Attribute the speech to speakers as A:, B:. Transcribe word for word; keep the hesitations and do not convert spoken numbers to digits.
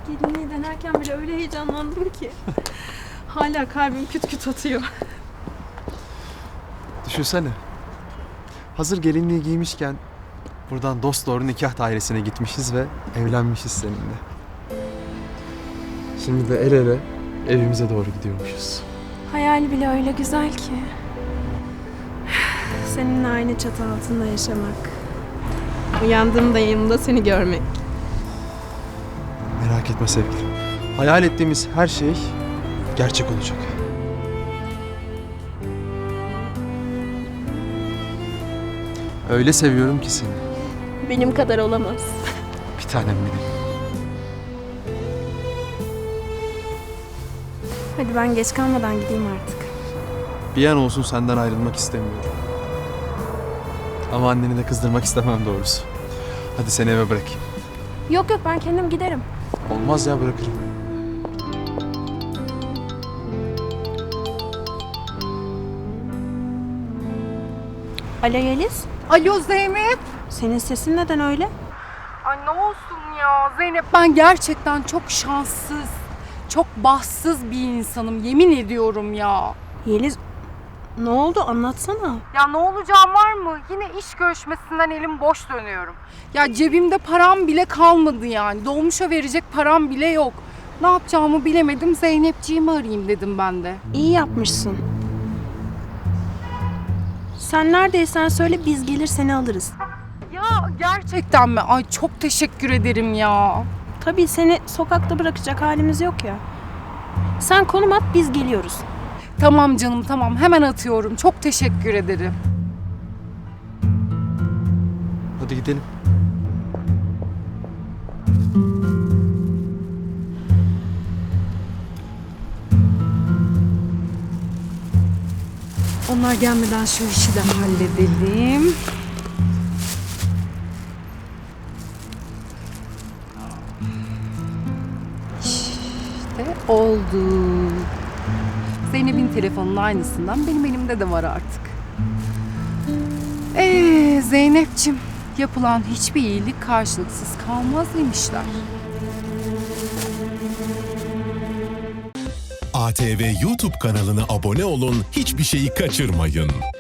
A: Gelinliği denerken bile öyle heyecanlandım ki. Hala kalbim küt küt atıyor.
B: Düşünsene. Hazır gelinliği giymişken buradan dosdoğru nikah dairesine gitmişiz ve evlenmişiz seninle. Şimdi de el ele evimize doğru gidiyormuşuz.
A: Hayal bile öyle güzel ki. Seninle aynı çatı altında yaşamak. Uyandığımda yanımda seni görmek.
B: Merak etme sevgilim. Hayal ettiğimiz her şey gerçek olacak. Öyle seviyorum ki seni.
A: Benim kadar olamaz.
B: Bir tanem benim.
A: Hadi ben geç kalmadan gideyim artık.
B: Bir an olsun senden ayrılmak istemiyorum. Ama anneni de kızdırmak istemem doğrusu. Hadi seni eve bırakayım.
A: Yok yok ben kendim giderim.
B: Olmaz ya, bırakırım.
A: Alo Yeliz.
C: Alo Zeynep.
A: Senin sesin neden öyle?
C: Ay ne olsun ya Zeynep. Ben gerçekten çok şanssız, çok bahtsız bir insanım. Yemin ediyorum ya.
A: Yeliz ne oldu anlatsana.
C: Ya ne olacağım var mı? Yine iş görüşmesinden elim boş dönüyorum. Ya cebimde param bile kalmadı yani. Dolmuşa verecek param bile yok. Ne yapacağımı bilemedim. Zeynepciğimi arayayım dedim ben de.
A: İyi yapmışsın. Sen neredeysen söyle biz gelir seni alırız.
C: Ya gerçekten mi? Ay çok teşekkür ederim ya.
A: Tabii seni sokakta bırakacak halimiz yok ya. Sen konum at biz geliyoruz.
C: Tamam canım tamam. Hemen atıyorum. Çok teşekkür ederim.
B: Hadi gidelim.
C: Onlar gelmeden şu işi de halledelim. İşte oldu. Zeynep'in telefonunun aynısından benim elimde de var artık. Ee Zeynep'ciğim, yapılan hiçbir iyilik karşılıksız kalmaz demişler.
D: A T V YouTube kanalına abone olun, hiçbir şeyi kaçırmayın.